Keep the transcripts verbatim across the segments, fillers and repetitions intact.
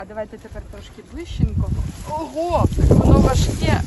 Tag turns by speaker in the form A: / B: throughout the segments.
A: А давайте тепер трошки ближченько. Ого, воно важке.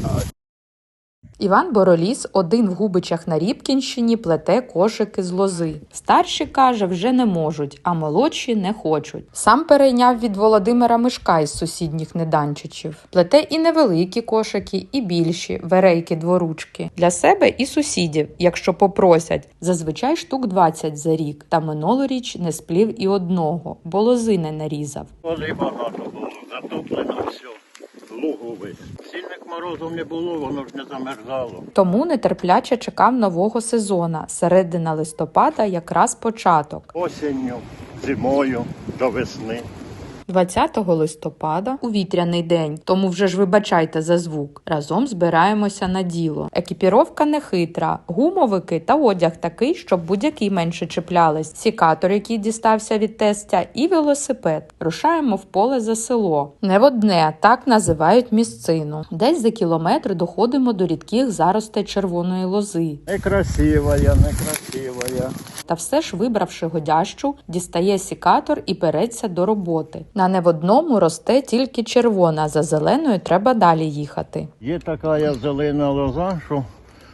B: Іван Бороліс один в Губичах на Рібкінщині плете кошики з лози. Старші, каже, вже не можуть, а молодші не хочуть. Сам перейняв від Володимира Мишка із сусідніх Неданчичів. Плете і невеликі кошики, і більші, верейки дворучки. Для себе і сусідів, якщо попросять. Зазвичай штук двадцять за рік. Та минулоріч не сплів і одного, бо лози не нарізав.
C: Води багато було, затоплено все. Лугу весь. Сильних морозів не було, воно ж не замерзало.
B: Тому нетерпляче чекав нового сезона. Середина листопада якраз початок.
C: Осінню, зимою, до весни.
B: двадцятого листопада, у вітряний день, тому вже ж вибачайте за звук, разом збираємося на діло. Екіпіровка не хитра, гумовики та одяг такий, щоб будь-який менше чіплялись, сікатор, який дістався від тестя, і велосипед. Рушаємо в поле за село. Не в одне, так називають місцину. Десь за кілометр доходимо до рідких заростей червоної лози.
C: Некрасивая, некрасивая.
B: Та все ж, вибравши годящу, дістає сікатор і береться до роботи. На не в одному росте тільки червона, за зеленою треба далі їхати.
C: Є така зелена лоза, що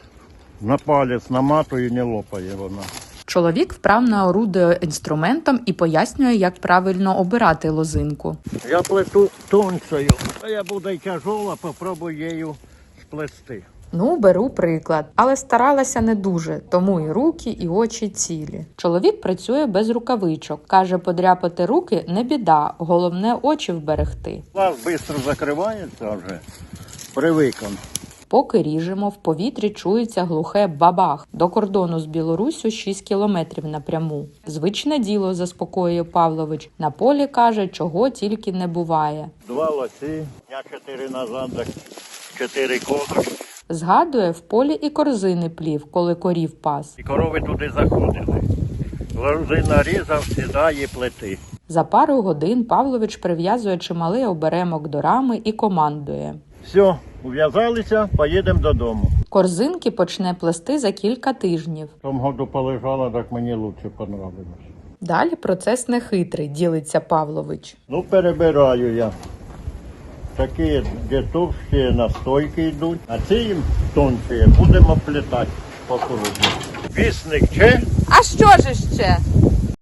C: на палець наматує і не лопає вона.
B: Чоловік вправно орудує інструментом і пояснює, як правильно обирати лозинку.
C: Я плету тонкою, а я буду й тяжола, попробую її сплести.
B: Ну, беру приклад. Але старалася не дуже, тому і руки, і очі цілі. Чоловік працює без рукавичок. Каже, подряпати руки не біда, головне очі вберегти.
C: Глаз швидко закривається вже, привиком.
B: Поки ріжемо, в повітрі чується глухе бабах. До кордону з Білоруссю шість кілометрів напряму. Звичне діло, заспокоює Павлович. На полі, каже, чого тільки не буває.
C: Два лоси, дня чотири назад, чотири кози.
B: Згадує, в полі і корзини плів, коли корів пас.
C: І корови туди заходили. Лози нарізав, сідає плети.
B: За пару годин Павлович прив'язує чималий оберемок до рами і командує.
C: Все, ув'язалися, поїдемо додому.
B: Корзинки почне плести за кілька тижнів.
C: В тому году полежала, так мені краще понравилось.
B: Далі процес нехитрий, ділиться Павлович.
C: Ну, перебираю я. Такі, де товщі настойки йдуть, а ці їм тонші будемо плетати по кругу. Вісник че?
A: А що ж ще?